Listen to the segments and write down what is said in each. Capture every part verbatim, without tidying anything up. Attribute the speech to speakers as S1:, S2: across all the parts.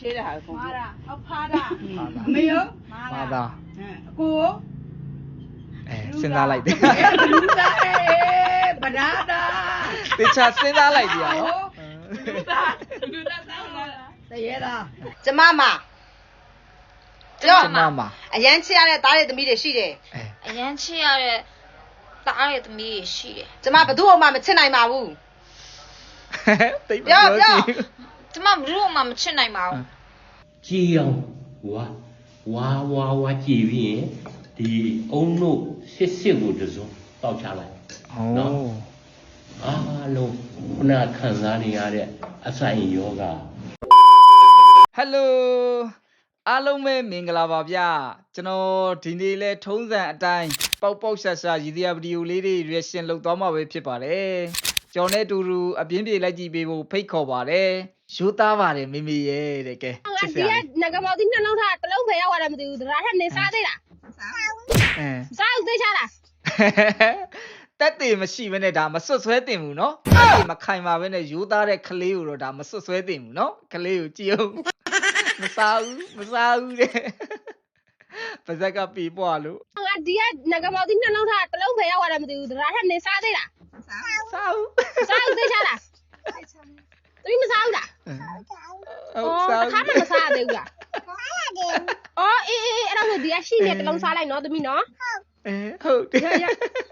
S1: 切的还是
S2: 妈的，我怕的，
S1: 没有，
S3: 妈的，
S1: 嗯，哥，
S3: 哎，စဉ်းစားလိုက်တယ်
S1: လူသား哎，不拿的，
S3: တေချာစဉ်းစားလိုက်ကြနော်
S1: လူသားလူသားတောင်းလာတရေလား
S4: ကျမမ
S3: ကျမမ
S4: အရန်ချစ်ရတဲ့သားရဲ့သမီးတွေရှိတယ်
S3: အဲ
S5: အရန်ချစ်ရတဲ့သားရဲ့သမီးတွေရှိတယ်
S4: ကျမဘယ်သူ့မှမချစ်နိုင်ပါဘူး
S3: တိတ်ပြောကြည့်
S5: ကျမဘယ်သူမှမချစ်နိုင်ပါဘူး
S6: ကြည်အောင်ဝါဝါဝါဝါကြည်ပြီးရင်ဒီအုံတို့စစ်စစ်ကိုတစုံတောက်ချလိုက်
S3: ဟော
S6: အားလုံးခုနခံစားနေရတဲ့အဆိုင်ယောဂ
S3: ဟယ်လိုအားလုံးပဲမင်္ဂလာပါဗျကျွန်တော်ဒီနေ့လဲထုံးစံအတိုင်းပေါက်ပေါက်ရှာရှာရည်ရွယ်ဗီဒီယိုလေးတွေ reaction လုပ်သွားမှာပဲဖြစ်ပါတယ်ကျွန်တော်နဲ့အတူတူအပြင်းပြေလိုက်ကြည့်ပေးဖို့ဖိတ်ခေါ်ပါတယ်ရိုးသားပါတယ်မိမိရဲ့တဲ့ကဲချစ်စရာလေး
S2: ငကမော်ဒီနှလုံးထားတလုံးဖယ်ရောက်လာတယ်မသိဘူးဒါထက်နေစားသေးလား
S3: အဲ
S2: စားဦးသေးချလား
S3: တက်တည်မရှိဘဲနဲ့ဒါမစွတ်ဆွဲတင်ဘူးเนาะတက်တည်မခိုင်ပါဘဲနဲ့ရိုးသားတဲ့ကလေးကိုတော့ဒါမစွတ်ဆွဲတင်ဘူးเนาะကလေးကိုကြည့်အောင်မစားဘူးမစားဘူးတဲ့ပါဇက်ကပြေပွားလို့
S2: ငါဒီကငကမော်ဒီနှလုံးထားတလုံးဖယ်ရောက်လာတယ်မသိဘူးဒါထက်နေစားသေးလား
S3: စားဘူး
S2: စားဦးသေးချလားသူမစားဘူးလား
S3: ဟုတ်စား
S2: ခါမှမစားသေးဘူးလားအော်အေးအေးအဲ့ဒါဆိုဒီကရှိနေတလုံးစားလိုက်နော်သမီးနော်
S3: အဲဟုတ်တယ်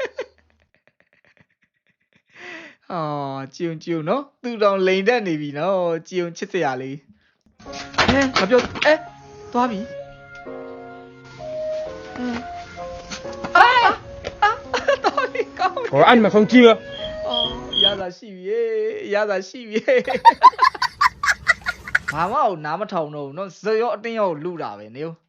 S3: အော်ကြုံကြုံနော်သူတောင်လိန်တက်နေပြီနော်ကြုံချစ်စရာလေးအဲမပြောအဲသွားပြီအာအာတော်ပြီကောင်းပြီ
S7: 我按你们空气了。
S3: အော်ရတာရှိပြီရတာရှိပြီဘာမှကိုနားမထောင်တော့ဘူးနော်ဇော်ရောအတင်းရောလူတာပဲနေဦး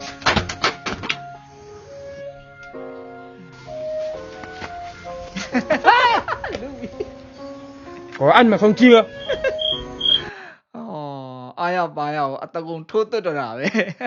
S7: 我按你们空气了。
S3: အော်အားရပါရအောင်အတကုံထိုးသွတ်တော့တာပဲ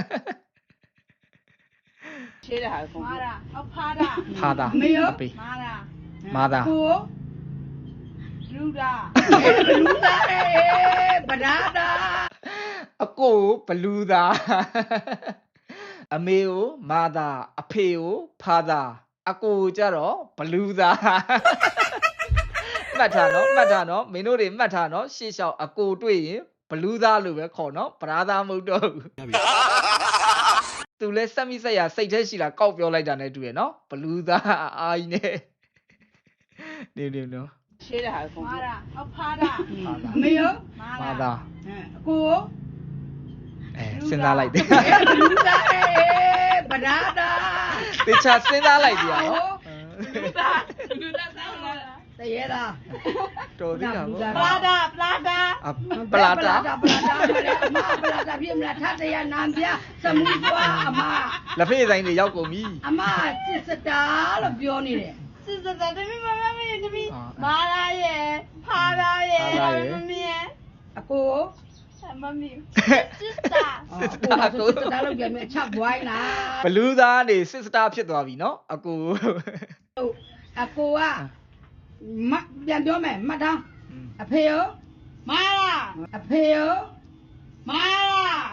S1: 切的还是
S2: 妈的我怕的
S3: ဖာတာ
S1: 没有
S3: အပေး
S2: 妈的
S3: မာတာ
S1: 哥，
S2: လူတာ
S1: လူသား哎，不拿的，
S3: အကိုဘလူးသားအမေကိုမာတာအဖေကိုဖာတာအကိုကြတော့ဘလူးသားမှတ်ထားနော်မှတ်ထားနော်မင်းတို့တွေမှတ်ထားနော်ရှေ့လျှောက်အကိုတွေ့ရင်ဘလူးသားလို့ပဲခေါ်နော်ဗရာသားမဟုတ်တော့ဘူးသူလဲစက်မိဆက်ရစိတ်ထဲရှိလာကောက်ပြောလိုက်တာနဲ့တူရနော်ဘလူးသားအာကြီးနဲ့နေနေနော်
S1: 切的还是
S2: 妈的我怕的
S1: 没有，
S3: မာတာ
S1: 嗯，哥，
S3: အဲစဉ်းစားလိုက်တယ်
S1: လူသား哎，不拿的，
S3: တေချာစဉ်းစားလိုက်ကြရနော်
S1: လူသားလူသားတောင်းလာတရေလား
S3: တော်သေးတာပေါ့
S1: ပလာတာပလာတာ
S3: အပလာတာ
S1: ပလာတာအမပလာတာပြမလားထတရနံပြသမီးပွားအမ
S3: လက်ဖေးဆိုင်တွေရောက်ကုန်ပြီ
S1: အမစစ်စတာလို့ပြောနေတယ်
S2: စစ်စစ်တမီးမမမရဲ့တမီးမာလာရဲ့ဖာလာရဲ့မမရဲ့
S1: အကို
S2: မမီစစ်တာ
S3: စစ်စတာကို
S1: စစ်စတာလို့ပြောမြအချက်ဘွိုင်းလား
S3: ဘလူးသားနေစစ်စတာဖြစ်သွားပြီနော်အကူ
S1: အကိုကမပြန်ပြောမယ်မှတ်ထားအဖေရော
S2: မာလာ
S1: အဖေရော
S2: မာလာ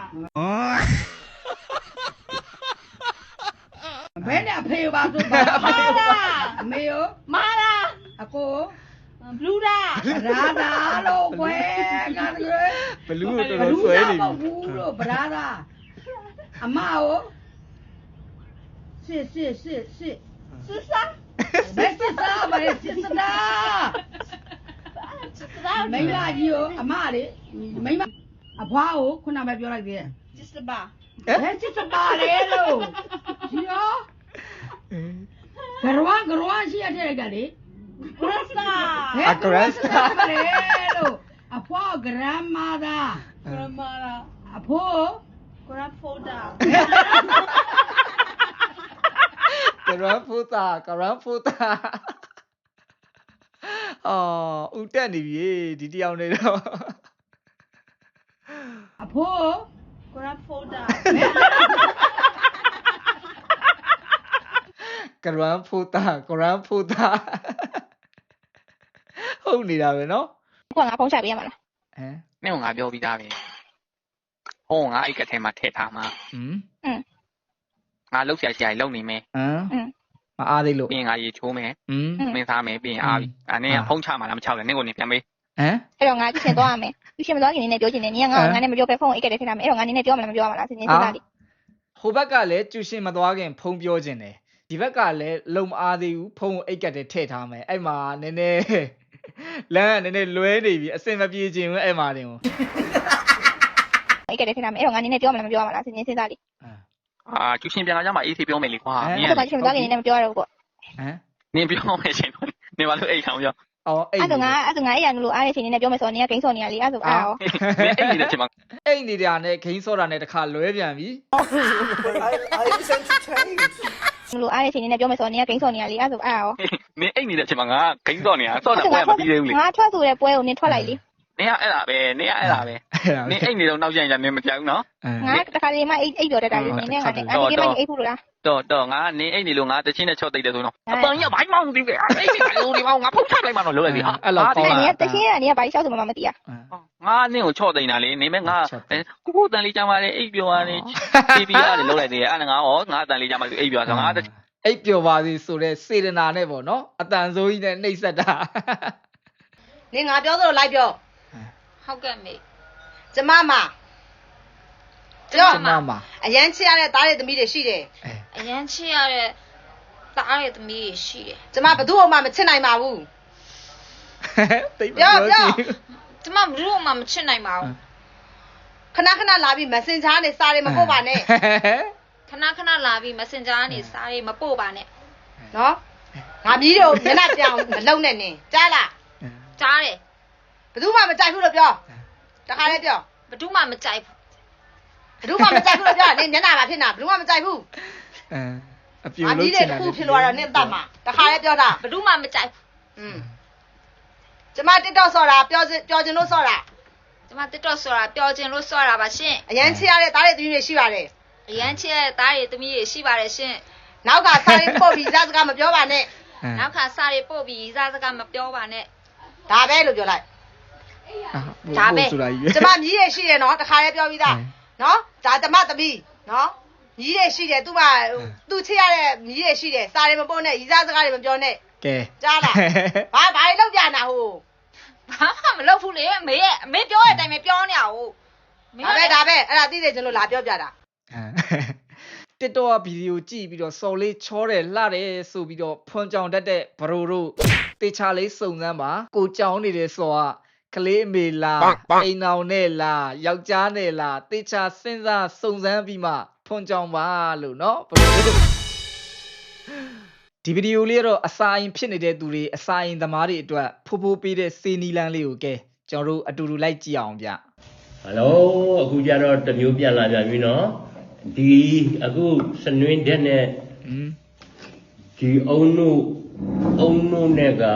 S1: ဘယ်နဲ့အဖေရောပါဆိုပါအမေရော
S2: မာလာ
S1: အကို
S2: ဘလူးတာ
S1: ရာသာလို့ကွယ်ကတည်း
S3: ဘလူးကိုတော်တော်ဆွဲနေပြီ
S1: ဘူးလို့ဗရာသာအမရောစစ်စစ်စစ်စစ်
S2: စစ်စာ
S1: ဘယ်စစ်သားမလဲစစ်စတာ
S2: စစ်တာ
S1: မိမကြီးရောအမလေမိမအဘွားကိုခုနပဲပြောလိုက်သေးတယ်
S2: စစ်ပါ
S1: ဘယ်စစ်စပါလဲလို့ဒီရောဂရဝဂရဝရှိရတဲ့ကလေ
S2: ဂရစတာ
S3: အဂရက်စတာ
S1: လေလို့အဖွားဂရမသာ
S2: ဂရမာလာ
S1: အဖိုး
S2: ဂရဖိုတာ
S3: ကရန်ဖူတာကရန်ဖူတာအော်ဦးတက်နေပြီဒီတယောက်နေတော့
S1: အဖိုး
S2: ဂရဖိုတာ
S3: ကရန်ဖူတာကရန်ဖူတာဟုတ်နေတာပဲနော်
S5: ကိုကငါဖုန်းချပေးရမှာလား
S3: ဟမ်
S8: မင်းကငါပြောပြီးသားပဲဟုံးငါအိတ်ကထဲမှာထည့်ထားမှာ
S3: อืม
S8: ငါလှုပ်ရှားရှားလုံနေမယ်
S3: ဟမ်မအားသေးလို့
S8: ပြီးရင်ငါရေချိုးမယ်
S3: อืม
S8: မင်းသားမယ်ပြီးရင်အားပြီအဲ့နင်းကဖုံးချမှာလားမချောက်လဲနင်းကိုနေပြန်ပေး
S3: ဟမ်
S2: အဲ့တော့ငါကျရှင်သွားရမယ်ကျရှင်မသွားခင်နေပြောချင်တယ်နင်ကငါငါနဲ့မပြောပဲဖုန်းအိတ်ကလေးထည့်ထားမယ်အဲ့တော့ငါနင်းနဲ့ပြောမလားမပြောမလားစဉ်းစားလေး
S3: ဟိုဘက်ကလည်းကျူရှင်မသွားခင်ဖုံးပြောခြင်းတယ်ဒီဘက်ကလည်းလုံမအားသေးဘူးဖုံးအိတ်ကတည်းထည့်ထားမယ်အဲ့မှာနည်းနည်းလမ်းကနည်းနည်းလွဲနေပြီအစင်မပြေခြင်းဘူးအဲ့မှာတင်
S2: အိတ်ကလေးထည့်ထားမယ်အဲ့တော့ငါနင်းနဲ့ပြောမလားမပြောမလားစဉ်းစားလေး
S8: အာကျူရှင်ပြန်လာကြမှာအေးသေးပြောမယ်လေကွာ
S2: အဲ့တော့ကျရှင်မသွားခင်နေမပြောရဘူးပေါ့
S3: ဟမ်
S8: နင်းပြောမယ်ရှင်နင်းဘာလို့အိတ်ထောင်ပြော
S3: အော်အိတ်
S2: အဲ့တော့ငါအဲ့တော့ငါအဲ့ရလို့အားရချိန်နေပြောမယ်ဆိုတော့နင်ကဂိမ်းစော်နေရလေအဲ့ဆိုအားရော
S8: နင်းအိတ်နေတဲ့ချိန်မှာ
S3: အိတ်နေတာနဲ့ဂိမ်းစောတာနဲ့တခါလွဲပြန်ပြီ
S2: လို့အားရချိန်နေပြောမယ်ဆိုတော့နင်ကဂိမ်းစော်နေရလေအဲ့ဆိုအားရော
S8: နင်းအိတ်နေတဲ့ချိန်မှာငါဂိမ်းစော့နေတာစော့နေပွဲမပြီးသေးဘူးလေ
S2: ငါထွက်ဆိုတဲ့ပွဲကိုနင်ထွက်လိုက်လေ
S8: နင်းကအဲ့ဒါပဲနင်းကအဲ့ဒါပဲနင်းအိတ်နေတော့နောက်ကျရင်နင်းမကြောက်ဘူးနော်
S2: ငါတခါလေးမှအိတ်အိတ်တော်တက်တာလေနင်နဲ့ငါနဲ့အဲ့ဒီကိမှအိတ်ဖို့လို့လား
S8: တော့တော့ငါနင်းအိတ်နေလို့ငါတချင်းနဲ့ချော့တိတ်တယ်ဆိုတော့အပန်ကြီးဘိုင်းမောင်းသေးတယ်အိတ်နေလို့ဒီမောင်းငါဖုတ်ချလိုက်မှတော့လုံးလိုက်ပြီဟာ
S3: အဲ့လောက်ကောင်း
S2: နင်
S3: လား
S2: ကတချင်းကနင်ကဘာလျှောက်ဆိုမှမသိရ
S8: ငါနင်းကိုချော့တိတ်တာလေနေမဲ့ငါကိုကိုတန်လေးကြမ်းပါလေအိတ်ပြောရတယ်တီဗီရတယ်လုံးလိုက်သေးတယ်အဲ့ဒါငါရောငါအတန်လေးကြမ်းပါလေအိတ်ပြောဆိုငါ
S3: အိတ်ပျော်ပါစေဆိုတဲ့စေတနာနဲ့ပေါ့နော်အတန်ဆိုးကြီးနဲ့နှိပ်စက်တာ
S4: နင်ငါပြောသလိုလိုက်ပြော
S5: ဟုတ်ကဲ့မေ
S4: ကျမမပြော
S3: ကျမမ
S4: အရန်ချစ်ရတဲ့သားတွေသမီးတွေရှိတယ်
S5: အရန်ချစ်ရတဲ့သားရဲ့သမီးရှိတယ်
S4: ကျမဘယ်သူမှမချစ်နိုင်ပါဘူး
S3: တိတ်ပြောကြည့်
S5: ကျမဘယ်သူမှမချစ်နိုင်ပါဘူး
S4: ခဏခဏလာပြီး Messenger နဲ့စာတွေမပို့ပါနဲ့
S5: ခဏခဏလာပြီး Messenger ကနေစာတွေမပို့ပါနဲ့
S4: နော်ငါမြည်တို့မျက်နှာပြောင်မလုံနဲ့နင်ကြားလား
S5: ကြားတယ်
S4: ဘယ်သူမှမကြိုက်ဘူးလို့ပြောတခါလေးပြော
S5: ဘယ်သူမှမကြိုက်ဘူး
S4: ဘယ်သူမှမကြိုက်ဘူးလို့ပြောနင်မျက်နှာမှာဖြစ်နေတာဘယ်သူမှမကြိုက်ဘူး
S3: အမ်အပြူ
S4: ငါမြ
S3: လို့
S4: ည်
S3: ချ
S4: တဲ့
S3: င်တာ
S4: တစ်ခုဖြစ်သွားတော့နင်တတ်မှာတခါလေးပြောတာ
S5: ဘယ်သူမှမကြိုက်ဘူး
S4: อืมကျမ TikTok ဆော့တာပြောပြောချင်လို့ဆော့တာ
S5: ကျမ TikTok ဆိုတာပျော်ခြင်းလို့ဆော့တာပါရှင်
S4: အရန်ချစ်ရတဲ့သားတွေသမီးတွေရှိပါတယ်
S5: အရန်ချစ်ရတဲ့သားတွေသမီးတွေရှိပါတယ်ရှင်
S4: နောက်ကစာရေးပို့ပြီးစားစကားမပြောပါနဲ့
S5: နောက်ခါစာတွေပို့ပြီးစားစကားမပြောပါနဲ့
S4: ဒါပဲလို့ပြောလိုက်
S3: ဒါပဲဆိုတာကြီး
S4: ကျမမြည်ရရှိတယ်နော်တခါလေးပြောပြီးသားနော်ဒါကျမသမီးနော်မြည်ရရှိတယ်သူ့မှာသူ့ချစ်ရတဲ့မြည်ရရှိတယ်စာတွေမပို့နဲ့ရီစားစကားတွေမပြောနဲ့
S3: ကဲ
S4: ကြားလားဘာဘာတွေလောက်ပြနာဟို
S5: ဘာမှမလုပ်ဘူးလေမေရဲ့အမေပြောတဲ့အတိုင်းပဲပြောနေရအောင်
S4: ဒါပဲဒါပဲအဲ့ဒါသိသိချင်းလို့လာပြောပြတာ
S3: တစ်တော့ဗီဒီယိုကြည့်ပြီးတော့စော်လေးချောတယ်လှတယ်ဆိုပြီးတော့ဖွန်ကြောင်တတ်တဲ့ဘရိုတို့တေချာလေးစုံစမ်းပါကိုကြောင်နေတဲ့စော်ကကလေးအမေလားအိမ်အောင်နဲ့လားယောက်ျားနဲ့လားတေချာစဉ်းစားစုံစမ်းပြီးမှဖွန်ကြောင်ပါလို့เนาะဘရိုတို့ဒီဗီဒီယိုလေးတော့အစာရင်ဖြစ်နေတဲ့သူတွေအစာရင်သမားတွေအတွက်ဖိုးဖိုးပေးတဲ့စေနီလန်းလေးကိုကဲကျွန်တော်တို့အတူတူလိုက်ကြည့်အောင်ဗျ
S6: ဟယ်လိုအခုကျတော့တစ်မျိုးပြန်လာပြန်ပြီနော်ဒီအခုစနွင်းတဲ့နဲ့
S3: อืม
S6: ဒီအုံနုအုံနုနဲ့က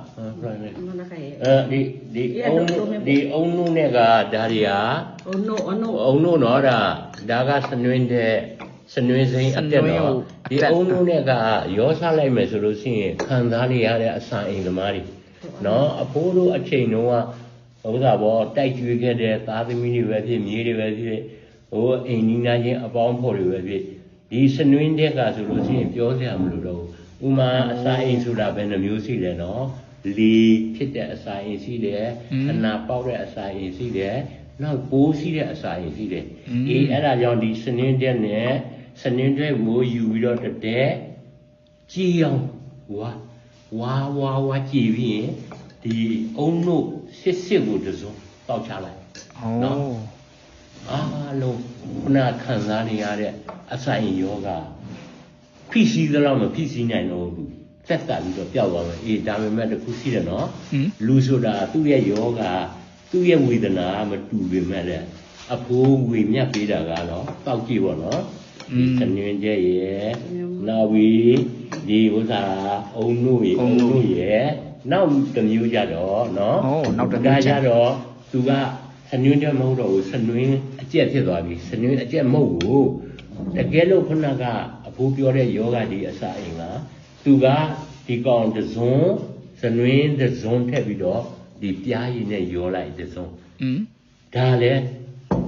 S6: အဲဒီဒီအုံနုဒီအုံနုနဲ့ကဒါတွေဟာအုံနုအုံနုအုံနုနော်ဒါဒါကစနွင်းတဲ့စနွင်းစိမ်းအတက်တော့ဒီအုံနုနဲ့ကရောစားလိုက်မယ်ဆိုလို့ရှိရင်ခံစားနေရတဲ့အစာအိမ်သမားတွေနော်အဖိုးတို့အချိန်တုန်းကဥစ္စာပေါ်တိုက်ကျွေးခဲ့တဲ့သားသမီးတွေပဲဖြစ်မြေးတွေပဲဖြစ်ဟိုအိမ်နီးနားချင်းအပေါင်းဖော်တွေပဲဖြစ်ဒီစနွင်းတဲ့ကဆိုလို့ရှိရင်ပြောစရာမလိုတော့ဘူးဥမာအစာအိမ်ဆိုတာဘယ်နှမျိုးရှိလဲနော်လီဖြစ်တဲ့အစာအိမ်ရှိတယ်အနာပေါက်တဲ့အစာအိမ်ရှိတယ်နောက်ပိုးရှိတဲ့အစာအိမ်ရှိတယ်အေးအဲ့ဒါကြောင့်ဒီစနွင်းတဲ့နဲ့စနွင်းတဲ့ကိုယူပြီးတော့တဲ့ကြည်အောင်ဝါဝါဝါဝါကြည်ပြီးရင်ဒီအုံတို့စစ်စစ်ကိုတစုံတောက်ချလိုက်နော်အားလုံးခုနခံစားနေရတဲ့အဆိုင်ယောဂဖိစီးသလောက်မဖိစီးနိုင်တော့ဘူးသက်သာပြီးတော့ပျောက်သွားမယ်အေးဒါပေမဲ့တခုရှိတယ်နော်လူဆိုတာသူ့ရဲ့ယောဂသူ့ရဲ့ဝေဒနာမတူပေမဲ့လည်းအဖိုးဝေမြတ်ပေးတာကတော့တောက်ကြည့်ပေါ့နော်ဒီစနွင်းကျဲရဲ့နောက်ပြီးဒီဥစ္စာအုံတို့ရဲ့အုံတို့ရဲ့နောက်တစ်မျိုးကြတော့နော်နောက်တစ်မျိုးကြတော့သူကစနွင်းတဲ့မဟုတ်တော့ဘူးစနွင်းအကျက်ဖြစ်သွားပြီစနွင်းအကျက်မဟုတ်ဘူးတကယ်လို့ခုနကအဖိုးပြောတဲ့ယောဂဒီအစာအိမ်ကသူကဒီကောင်တစုံစနွင်းတစုံထက်ပြီးတော့ဒီပြားရည်နဲ့ရောလိုက်တစုံဒါလည်း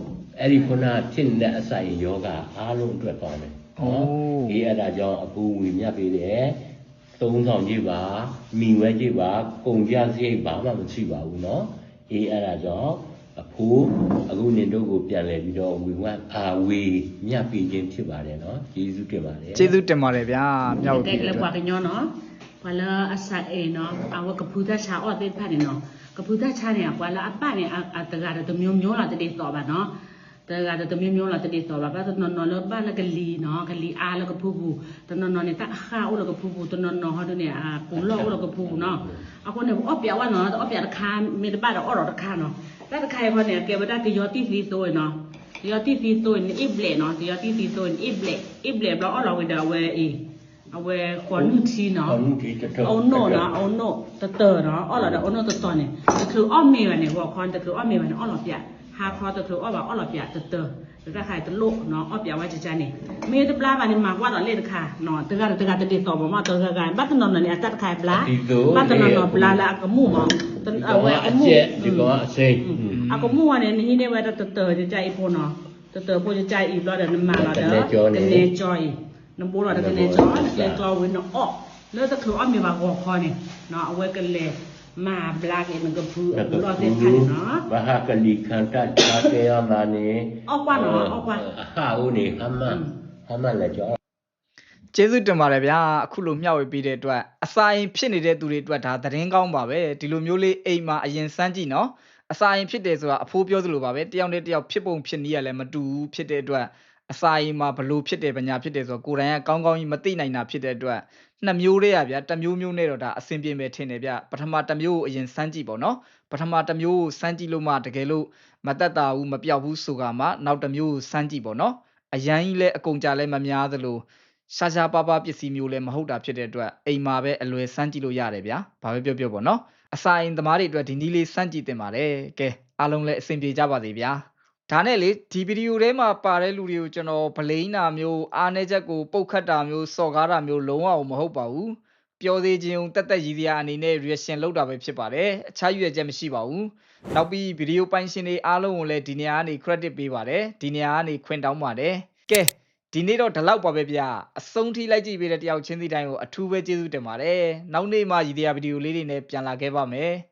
S6: အဲ့ဒီခုနဖြစ်နေတဲ့အစာရင်ယောဂအားလုံးအတွက်ကောင်းတယ်နော်ဒီအဲ့ဒါကြောင့်အကူဝေမြတ်ပေးတယ်သုံးဆောင်ကြည့်ပါမိဝဲကြည့်ပါကုန်ကြစရိတ်ဘာမှမရှိပါဘူးနော်အေးအဲ့ဒါကြောင့်အဖိုးအခုနင်တို့ကိုပြန်လဲပြီးတော့ဝေဝတ်အာဝေမြတ်ပေးခြင်းဖြစ်ပါတယ်နော်ကျေးဇူးတင်ပါတယ်
S3: ကျေးဇူးတင်ပါတယ်ဗျာမြောက်
S2: ကဲ
S3: ပြီး
S2: ကလေး
S3: တော့
S2: ပွားကညောနော်ပွာလာအဆိုင်အေနော်အဝကပူဒချာအော်တဲ့ဖတ်နေနော်ကပူဒချာနေပွာလာအပနေအတကရတမျိုးမျိုးလာတဲ့တော့ပါနော်တကရတမျိုးမျိုးလာတဲ့တော့ပါဘာနော်နော်လဘာလကလီနော်ကလီအားလကပူပူတနော်နော်နေတာခါဦးလကပူပူတနော်နော်ဟာတဲ့အာကူလောဦးလကပူနော်အခုနေအော့ပြဝနော်အော့ပြတခါမေတပါတော့အော်တော့တခါနော်แต่ตะไคร้พอเนี่ยแกบ่ได้กยอติฟีโตเนาะยอติฟีโตนี่อิบเลเนาะยอติฟีโตนี่อิบเลอิบเลบลออลอเวดาเวอีအဝဲခွန်ချီနော်
S6: ခွန်ချီတတော်
S2: အောင်နို့နော်အောင်နို့တတော်နော်အော်လာတော့အောင်နို့တတော်နေတခုအော့မေရနေဟောခွန်တခုအော့မေရနေအော်လာပြဟာခေါ်တခုအော်ပါအော်လာပြတတော်တခါတလို့နော်အော့ပြဝါချချနေမေတပလာပါနေမှာကွာတော့လေတခါနော်တကတကတတိတော်မမတော်ကကန်บัตนนเนี่ยตัดขายปลาบัตนนปลาละกมูมအဝဲအမှု
S6: ဒီကောင်အစိမ်း
S2: အကမှုကနေနေနေဝဲတတတကြိုက်ဖို့နော်တတဖို့ကြိုက်ဤတော့တယ်နမလာတယ်ကနေကြော်နဘိုးလာကနေကြော်လေကြော်ဝင်တော့အော်လဲတခေါ်အမေပါကောခေါ်နေနော်အဝဲကလေးမာဘလာကေမကဖူအဘူတော့တဲ့ဖိုင်နော်
S6: ဘာဟာကလီခန္တာတာကေယမာနေ
S2: အောက်ကွာနော်အောက်ကွာ
S6: ဟာဦးနေဟမဟမလည်းကြော
S3: ကျေးဇူးတင်ပါတယ်ဗျာအခုလိုမျှဝေပေးတဲ့အတွက်အစာရင်ဖြစ်နေတဲ့သူတွေအတွက်ဒါသတင်းကောင်းပါပဲဒီလိုမျိုးလေးအိမ်မှာအရင်စမ်းကြည့်နော်အစာရင်ဖြစ်တယ်ဆိုတာအဖိုးပြောသလိုပါပဲတယောက်နဲ့တယောက်ဖြစ်ပုံဖြစ်နည်းရလည်းမတူဘူးဖြစ်တဲ့အတွက်အစာရင်မှာဘလို့ဖြစ်တယ်ပညာဖြစ်တယ်ဆိုတော့ကိုယ်တိုင်ကကောင်းကောင်းကြီးမသိနိုင်တာဖြစ်တဲ့အတွက်နှစ်မျိုးတည်းရဗျာတစ်မျိုးမျိုးနဲ့တော့ဒါအဆင်ပြေမယ်ထင်တယ်ဗျပထမတစ်မျိုးကိုအရင်စမ်းကြည့်ပေါ့နော်ပထမတစ်မျိုးကိုစမ်းကြည့်လို့မှတကယ်လို့မတက်တာဘူးမပြောက်ဘူးဆိုကမှနောက်တစ်မျိုးကိုစမ်းကြည့်ပေါ့နော်အရန်ကြီးလည်းအကုန်ကြလည်းမများသလိုရှာရှာပါပါပစ္စည်းမျိုးလည်းမဟုတ်တာဖြစ်တဲ့အတွက်အိမ်မှာပဲအလွယ်စမ်းကြည့်လို့ရတယ်ဗျာဘာပဲပြောပြောပေါ့နော်အစာအိမ်သမားတွေအတွက်ဒီနည်းလေးစမ်းကြည့်တင်ပါတယ်ကဲအားလုံးလည်းအဆင်ပြေကြပါစေဗျာဒါနဲ့လေဒီဗီဒီယိုထဲမှာပါတဲ့လူတွေကိုကျွန်တော်ဗလိန်းတာမျိုးအားနည်းချက်ကိုပုတ်ခတ်တာမျိုးစော်ကားတာမျိုးလုံးဝမဟုတ်ပါဘူးပျော်သေးခြင်းတက်တက်ရည်စရာအနေနဲ့ reaction လုပ်တာပဲဖြစ်ပါတယ်အခြားရွေးချက်မရှိပါဘူးနောက်ပြီးဗီဒီယိုပိုင်းရှင်တွေအားလုံးကိုလည်းဒီနေရာကနေ credit ပေးပါတယ်ဒီနေရာကနေခွင့်တောင်းပါတယ်ကဲဒီနေ့တော့ဒီလောက်ပါပဲဗျာအဆုံးထိလိုက်ကြည့်ပေးတဲ့တယောက်ချင်းစီတိုင်းကိုအထူးပဲကျေးဇူးတင်ပါတယ်နောက်နေ့မှရည်တရားဗီဒီယိုလေးတွေနဲ့ပြန်လာခဲ့ပါမယ်